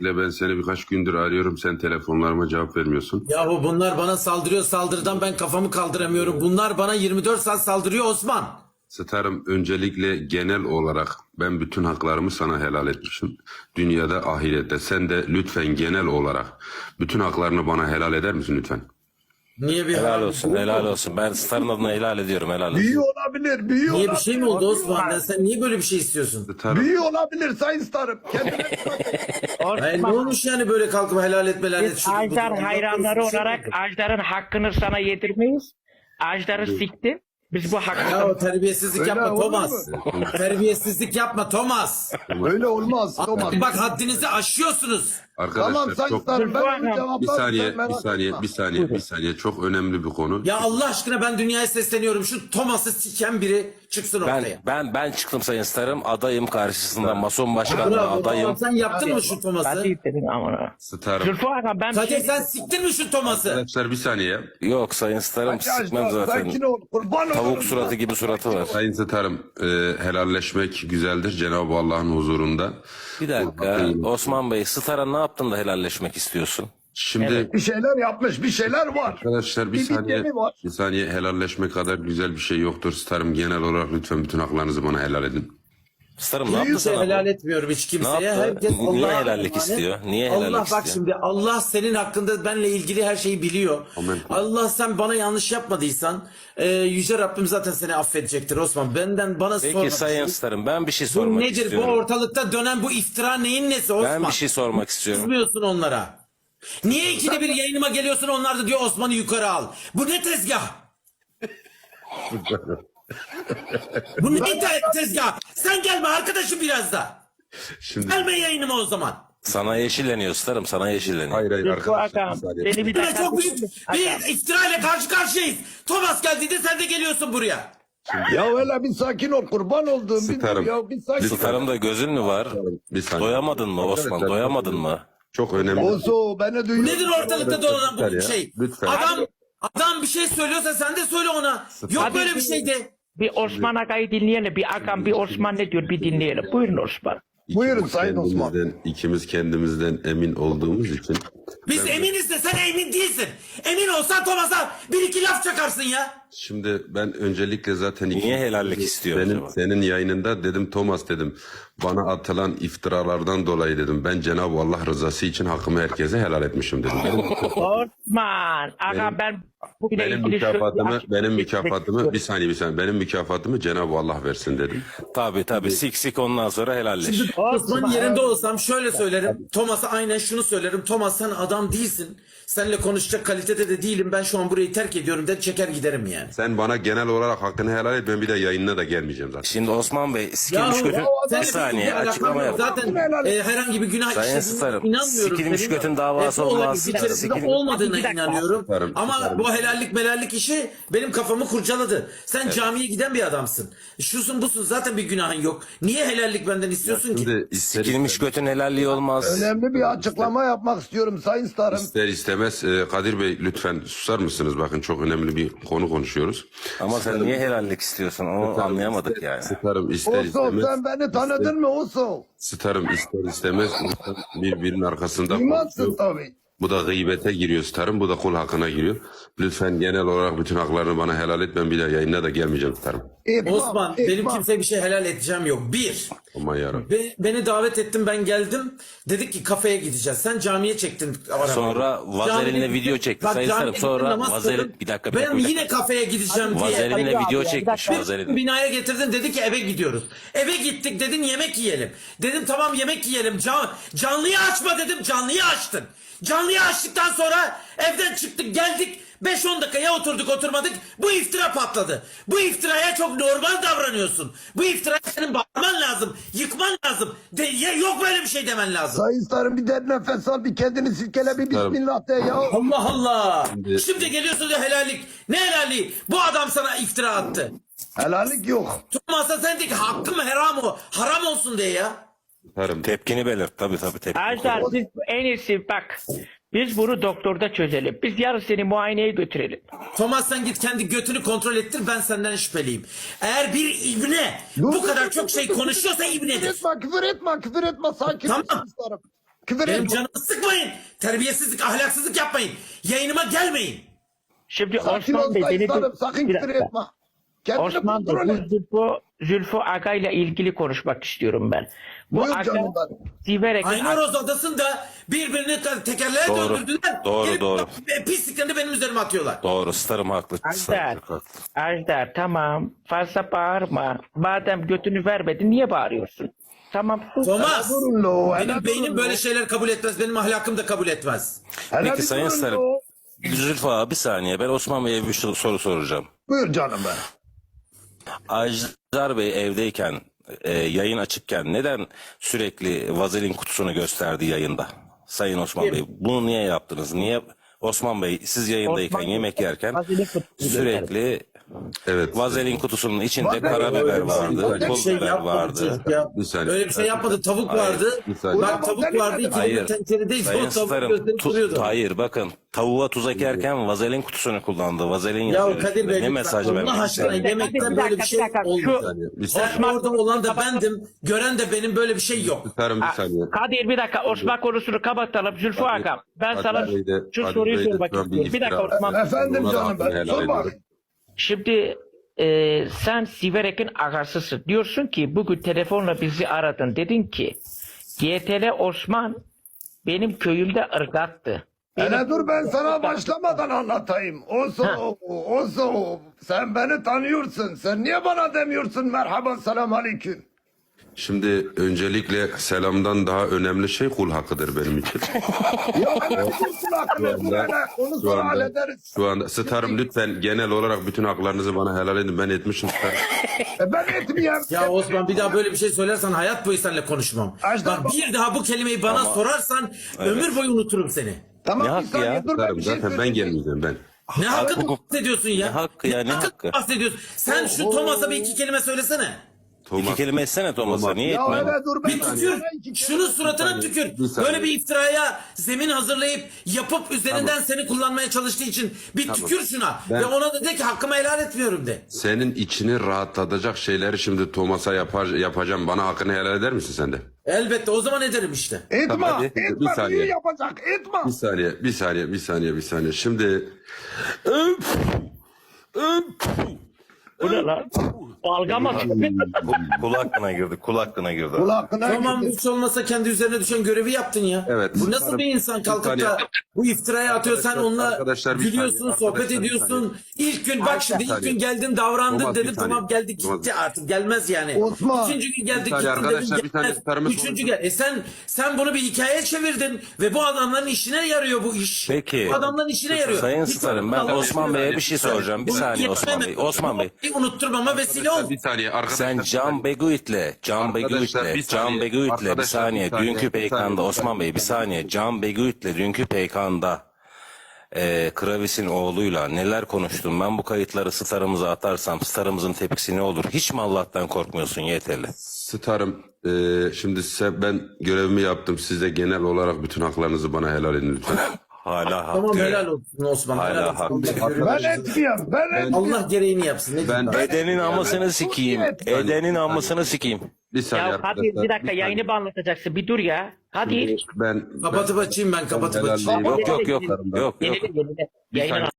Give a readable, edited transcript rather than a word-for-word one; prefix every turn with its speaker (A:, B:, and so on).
A: Ben seni birkaç gündür arıyorum. Sen telefonlarıma cevap vermiyorsun.
B: Yahu bunlar bana saldırıyor, saldırıdan ben kafamı kaldıramıyorum. Bunlar bana 24 saat saldırıyor Osman.
A: Starım, öncelikle genel olarak ben bütün haklarımı sana helal etmişim. Dünyada, ahirette. Sen de lütfen genel olarak bütün haklarını bana helal eder misin lütfen?
B: Niye bir
C: Helal olsun, helal olsun. Ben Star'ın adına helal ediyorum, helal olsun.
D: Büyü olabilir, büyü
B: Niye
D: olabilir.
B: bir şey mi oldu Osman? Ya sen niye böyle bir şey istiyorsun?
A: Starım,
D: Büyü olabilir Sayın Starım. Kendine
B: Hayır, ne olmuş yani böyle kalkıp helal et helal et.
E: Biz
B: şunu, bunu,
E: Ajdar
B: Allah
E: hayranları
B: korusun, bir şey mi
E: olarak
B: oldu?
E: Ajdar'ın hakkını sana yedirmeyiz. Ajdar'ı siktin. Biz bu
B: Ya
E: hakkı...
B: o terbiyesizlik
D: Öyle
B: yapma
D: olur
B: Thomas. Terbiyesizlik yapma Thomas.
D: öyle olmaz. Thomas.
B: Bak haddinizi aşıyorsunuz.
A: arkadaşlar
D: Tamam Sayın
A: çok...
D: Starım ben onu
A: Bir
D: cevaplarım.
A: saniye,
D: sen merak
A: bir saniye,
D: etme.
A: bir saniye, bir saniye. Çok önemli bir konu.
B: Ya Allah aşkına ben dünyaya sesleniyorum. Şu Thomas'ı siken biri çıksın ortaya.
C: Ben çıktım Sayın Star'ım, adayım karşısında mason başkanlığı
B: Bravo,
C: adayım.
B: tamam, sen yaptın mı şu Thomas'ı?
E: Hadi dedin amına.
A: Starım.
E: Zülfü Aga ben bir
B: Kadir
E: şey...
B: sen siktin mi şu Thomas'ı?
A: Arkadaşlar bir saniye.
C: Yok Sayın Star'ım,
D: Ajdar,
C: sıkmam zaten.
D: sakin ol. Kurban olurum.
C: Tavuk suratı gibi suratı var.
A: Sayın Starım, helalleşmek güzeldir Cenab-ı Allah'ın huzurunda.
C: Bir dakika, Osman Bey, Star'a ne yaptın da helalleşmek istiyorsun?
A: Şimdi
D: Bir şeyler yapmış, bir şeyler var.
A: arkadaşlar bir
D: Bir
A: saniye,
D: biteni var.
A: bir saniye, helalleşme kadar güzel bir şey yoktur Starım. Genel olarak lütfen bütün haklarınızı bana helal edin.
C: Star'ım ne yaptı
B: Kimseye
C: sana
B: helal
C: bu?
B: etmiyorum hiç
C: Ne
B: kimseye.
C: yaptı?
B: Herkes
C: Niye
B: Allah'a
C: helallik
B: emanet.
C: istiyor? Niye helallik
B: Allah bak
C: istiyor?
B: şimdi Allah senin hakkında benle ilgili her şeyi biliyor.
A: Amin.
B: Allah sen bana yanlış yapmadıysan Yüce Rabbim zaten seni affedecektir Osman. Benden bana sorma.
C: Peki Sayın Star'ım, ben bir şey
B: Bu
C: sormak
B: nedir? Bu
C: istiyorum.
B: ortalıkta dönen bu iftira neyin nesi Osman?
C: Ben bir şey sormak istiyorum.
B: Kızmıyorsun onlara. Niye ikide bir yayınıma geliyorsun onlar da diyor Osman'ı yukarı al. Bu ne tezgah? Bu ne tezgah? Sen gelme arkadaşım biraz da.
A: Şimdi
B: Gelme yayınıma o zaman.
C: Sana yeşilleniyor Star'ım, sana yeşilleniyor.
A: hayır hayır
E: Zülfü
A: arkadaşlar.
E: Aga
A: müsaade
E: beni
A: edin.
E: bir
B: Ve
E: dakika...
B: çok büyük bir iftira ile karşı karşıyayız. Thomas geldiğinde sen de geliyorsun buraya.
D: Ya öyle bir sakin ol. Kurban olduğum bir
A: Starım.
D: ya bir sakin ol.
C: Star'ım da gözün mü var?
A: Bir saniye.
C: Doyamadın mı Osman,
A: Arkadaşlar,
C: doyamadın mı?
A: Çok önemli.
D: Ozo beni duyuyor.
B: Nedir ortalıkta dolanan bu
A: ya,
B: şey?
A: lütfen.
B: Adam bir şey söylüyorsa sen de söyle ona. Yok
E: Hadi
B: böyle bir şey de.
E: Bir Osman Aga'yı dinleyelim. Bir Agam bir Osman ne diyor bir dinleyelim. Buyurun Osman.
D: Buyurun Sayın Osman.
A: İkimiz kendimizden emin olduğumuz için.
B: Biz eminiz de sen emin değilsin. Emin olsan Thomas'a bir iki laf çakarsın ya.
A: Şimdi ben öncelikle zaten
C: Niye helallik istiyor acaba?
A: senin yayınında dedim Thomas dedim bana atılan iftiralardan dolayı dedim ben Cenab-ı Allah rızası için hakkımı herkese helal etmişim dedim.
E: Osman Aga ben bugüne
A: Benim
E: ilgili
A: mükafatımı bir saniye benim mükafatımı Cenab-ı Allah versin dedim.
C: Tabii sik ondan sonra helalleş.
B: Osman'ın yerinde olsam şöyle söylerim. Thomas'a aynen şunu söylerim. Thomas sen adam değilsin. Seninle konuşacak kalitede de değilim. Ben şu an burayı terk ediyorum der çeker giderim yani.
A: Sen bana genel olarak hakkını helal et ben bir de yayınına da gelmeyeceğim zaten.
C: Şimdi Osman Bey, sikilmiş götün...
B: sen
C: Bir saniye, açıklama yap.
B: Zaten herhangi bir günah
C: Sayın
B: işlediğine
C: Starım,
B: inanmıyorum.
C: sikilmiş
B: Senin
C: götün davası
B: olayın
C: olmaz.
B: içerisinde
C: Sikil-
B: olmadığına
E: Bir dakika.
B: inanıyorum.
A: Starım,
B: Ama
A: starım.
B: bu helallik melallik işi benim kafamı kurcaladı. Sen camiye giden bir adamsın. Şusun busun zaten bir günahın yok. Niye helallik benden istiyorsun ki?
A: Şimdi ister,
C: Sikilmiş götün helalliği olmaz.
D: Önemli bir açıklama yapmak istiyorum Sayın Starım.
A: ister istemez Kadir Bey lütfen susar mısınız? Bakın çok önemli bir konu konuşuyoruz.
C: Ama sen niye helallik istiyorsun onu anlayamadık yani.
A: Starım ister
D: Ozo
A: istemez.
D: sen beni tanıdın mı Ozo?
A: Starım ister istemez insan birbirinin arkasında
D: Duymazsın
A: konuşuyor.
D: tabii.
A: Bu da gıybete giriyor starım. Bu da kul hakkına giriyor. Lütfen genel olarak bütün haklarını bana helal et. Ben bir daha yayına da gelmeyeceğim starım.
B: Osman benim kimseye bir şey helal edeceğim yok. Bir.
A: Aman yarabbim.
B: Beni davet ettin ben geldim. Dedik ki kafeye gideceğiz. Sen camiye çektin arabayı.
C: Sonra vazelinle
B: Camiye-
C: video çekti.
B: Bak,
C: Sayın
B: camiye
C: Starım, sonra
B: namaz
C: vazelin...
B: kıldım.
C: Bir dakika.
B: Ben yine kafeye gideceğim diye.
C: Vazelinle video çekmiş.
B: Bir
C: Vazelin.
B: binaya getirdin dedi ki eve gidiyoruz. Eve gittik dedin yemek yiyelim. Dedim tamam yemek yiyelim. Canlıyı açma dedim canlıyı açtın. Canlıyı açtıktan sonra evden çıktık geldik. 5-10 dakikaya oturduk oturmadık. Bu iftira patladı. Bu iftiraya çok normal davranıyorsun. Bu iftiraya senin bağırman lazım. Yıkman lazım. Yok böyle bir şey demen lazım.
D: Sayın Starım bir derin nefes al bir kendini silkele bir
A: Starım.
D: bismillah de ya.
B: Allah Allah.
A: Şimdi-
B: Şimdi geliyorsun diyor helallik. Ne helalliği? Bu adam sana iftira attı.
D: Helallik yok.
B: Tutmazsa sen de ki hakkım haram o. Haram olsun diye ya.
A: Starım.
C: Tepkini belirt. Tabii tepkini.
E: Ajdar biz en iyisi bak. Biz bunu doktorda çözelim. Biz yarın seni muayeneye götürelim.
B: Thomas sen git kendi götünü kontrol ettir ben senden şüpheliyim. Eğer bir ibne bu kadar çok şey konuşuyorsa
D: Küfür
B: ibnedir.
D: etme, küfür etme, küfür etme. Sakin ol
B: Tamam.
D: Sayın Starım. Küfür
B: Benim
D: etme.
B: canımı sıkmayın. Terbiyesizlik, ahlaksızlık yapmayın. Yayınıma gelmeyin.
E: Şimdi
D: Sakin
E: Osman
D: ol
E: Bey
D: Sayın
E: beni
D: Starım. Sakın
E: bir
D: küfür
E: dakika.
D: etme. Kendini
E: Osman Bey,
D: kontrol et.
E: bu Zülfü Aga ile ilgili konuşmak istiyorum ben. Bu
D: Buyur
E: Aga
D: canım benim.
E: Siverek
B: Aynoroz Adası'nda birbirini tekerleğe
C: Doğru.
B: döndürdüler.
C: Doğru,
B: Gelip
C: doğru.
B: Pisliklerini benim üzerime atıyorlar.
C: Doğru, starım haklı. Starım
E: Ajdar,
C: çok haklı.
E: Ajdar tamam fazla bağırma. Madem götünü vermedin niye bağırıyorsun? Tamam sus.
B: Thomas,
D: Durun lo. hele
B: benim
D: durun
B: beynim
D: lo.
B: böyle şeyler kabul etmez. Benim ahlakım da kabul etmez.
D: Hele
C: Peki
D: bir
C: Sayın
D: durun
C: Starım,
D: lo.
C: Zülfü abi bir saniye. Ben Osman Bey'e bir soru soracağım.
D: Buyur canım ben.
C: Ajdar Bey evdeyken, yayın açıkken neden sürekli vazelin kutusunu gösterdi yayında? Sayın Osman Bey, bunu niye yaptınız? Niye Osman Bey siz yayındayken,
E: Osman Bey,
C: yemek yerken
E: vazelin kutusunu
C: sürekli
A: Evet.
C: vazelin kutusunun içinde
D: Vazelin-
C: karabiber
B: Öyle
C: vardı,
B: bir
C: pul
B: şey
C: biber
B: yapmadı
C: vardı.
B: çocuk ya.
A: Bir saniye.
B: Öyle bir şey yapmadı. Tavuk
C: Hayır.
B: vardı.
A: Bir saniye.
B: Bak tavuk vardı.
C: Hayır.
B: İkili tenceredeyiz.
C: Sayın
B: O tavuk
C: Starım,
B: gösterip duruyordu.
C: hayır bakın tavuğa tuz ekerken vazelin kutusunu kullandı. Vazelin
B: Ya
C: yazıyor
B: Kadir
C: üstünde.
B: Bey
C: Ne
B: lütfen
C: mesaj
B: Allah
C: vermek
B: aşkına
C: ister?
B: yemekten
E: Bir
B: böyle bir şey
E: dakika.
B: olmuyor.
A: Bir saniye.
B: Osman orada olan da bendim. Gören de benim böyle bir şey yok.
A: Starım bir saniye.
E: Kadir bir dakika Osman konusunu kapatalım Zülfü Agam. Ben
A: Kadir
E: sana
A: Bey de-
E: şu
A: Kadir
E: soruyu
A: Bey de
E: sormak
A: şu an bir
E: istiyorum. Bir dakika
A: iftira-
E: Osman.
D: Efendim
A: Ona da
D: canım
A: hakkını
D: ben.
A: helal
D: Sor
A: ediyorum.
D: bakayım.
E: Şimdi sen Siverek'in ağasısın. Diyorsun ki bugün telefonla bizi aradın. Dedin ki GTL Osman benim köyümde ırgattı.
D: Hele dur ben sana başlamadan anlatayım. Oso. Sen beni tanıyorsun. Sen niye bana demiyorsun merhaba selam aleyküm.
A: Şimdi öncelikle selamdan daha önemli şey kul hakkıdır benim için.
D: Ya hele bir kul hakkını dur hele. Onu
A: Şu
D: sonra
A: anda,
D: hallederiz.
A: şu anda Starım lütfen genel olarak bütün haklarınızı bana helal edin. Ben etmişim Starım.
D: Ben etmeyeyim.
B: Ya Osman bir daha böyle bir şey söylersen hayat boyu seninle konuşmam.
D: Ajdar
B: Bak bir daha bu kelimeyi bana sorarsan ömür boyu unuturum seni.
D: Tamam
C: Ne
D: bir
C: hakkı
D: saniye
C: ya?
D: dur ben
A: Starım
D: bir şey
A: zaten ben
D: söyleyeyim.
A: gelmeyeceğim ben.
B: Ne hakkı bahsediyorsun ya?
C: Ne hakkı ya, ne hakkı?
B: bahsediyorsun? Sen şu Thomas'a bir iki kelime söylesene.
C: İki kelime etsene Thomas'a. Niye
D: Ya
C: etmiyorsun?
D: hele dur ben
B: Bir tükür. Şunun suratına tükür.
A: bir saniye.
B: Böyle bir iftiraya zemin hazırlayıp yapıp üzerinden seni kullanmaya çalıştığı için bir tükür şuna.
A: Ben-
B: Ve ona da de ki hakkımı helal etmiyorum de.
A: Senin içini rahatlatacak şeyleri şimdi Thomas'a yapacağım. Bana hakkını helal eder misin sen de?
B: Elbette o zaman ederim işte.
D: Etme,
A: Tamam, hadi. Bir
D: etme,
A: saniye.
D: büyü yapacak, etme.
A: Bir saniye. Şimdi
E: Bu ne lan? Balgama.
C: Kul hakkına girdi, kul hakkına girdi.
D: Kul hakkına
B: Tamam
D: gidin.
B: hiç olmasa kendi üzerine düşen görevi yaptın ya.
A: Evet.
B: Bu nasıl bir insan kalkıp
A: saniye.
B: da bu iftiraya atıyor sen onunla
A: Arkadaşlar, bir
B: gülüyorsun
A: saniye.
B: sohbet
A: Arkadaşlar, bir
B: ediyorsun. İlk gün bak şimdi ilk
A: saniye.
B: gün geldin davrandın
A: Thomas, bir
B: dedim
A: saniye.
B: tamam geldi gitti
A: Thomas.
B: artık gelmez yani.
D: Osman.
B: İkinci gün geldi
A: Bir saniye
B: gittin
A: arkadaşlar,
B: dedim
A: bir tane
B: gelmez.
A: tutarımı
B: Üçüncü
A: soracağım.
B: gel. Sen bunu bir hikayeye çevirdin ve bu adamların işine yarıyor bu iş.
C: Peki.
B: Bu adamların işine yarıyor.
C: Sayın
B: Hiç
C: Starım, ben
B: Allah
C: Osman
B: aşkına
C: Bey'e bir şey soracağım. Bir
B: Bunu
C: saniye Osman Bey.
B: yetmeme-
C: Osman Bey.
B: Unutturmama vesile ol.
A: bir saniye arkadaşlar.
C: Sen Can Beguit'le,
A: Arkadaşlar, bir saniye.
C: bir
A: Arkadaşlar,
C: saniye,
A: bir saniye.
C: dünkü
A: Bir
C: peykanda,
A: saniye.
C: Osman Bey bir saniye, Can Beguit'le dünkü peykanda Kravis'in oğluyla neler konuştun? Ben bu kayıtları starımıza atarsam starımızın tepkisi ne olur? Hiç mi Allah'tan korkmuyorsun yeterli?
A: Starım şimdi ben görevimi yaptım. Size genel olarak bütün haklarınızı bana helal edin lütfen.
C: Hala
B: Tamam
C: hakkı.
B: helal olsun Osman.
C: Hala
B: helal olsun.
C: haklı.
D: Ben etmeyeyim, ben etmeyeyim.
B: Allah gereğini yapsın. Ne diyeyim ben?
C: Edenin amısını sikeyim. Edenin amısını sikeyim.
A: Bir saniye
E: Ya Kadir
A: arkadaşlar.
E: bir dakika
A: saniye.
E: yayını bağlatacaksın. Bir dur ya. Kadir.
A: Ben
B: Kapatıp açayım ben kapatıp
A: Helal
B: açayım.
A: değil.
C: Yok.
E: Yenile. Yayını
A: saniye.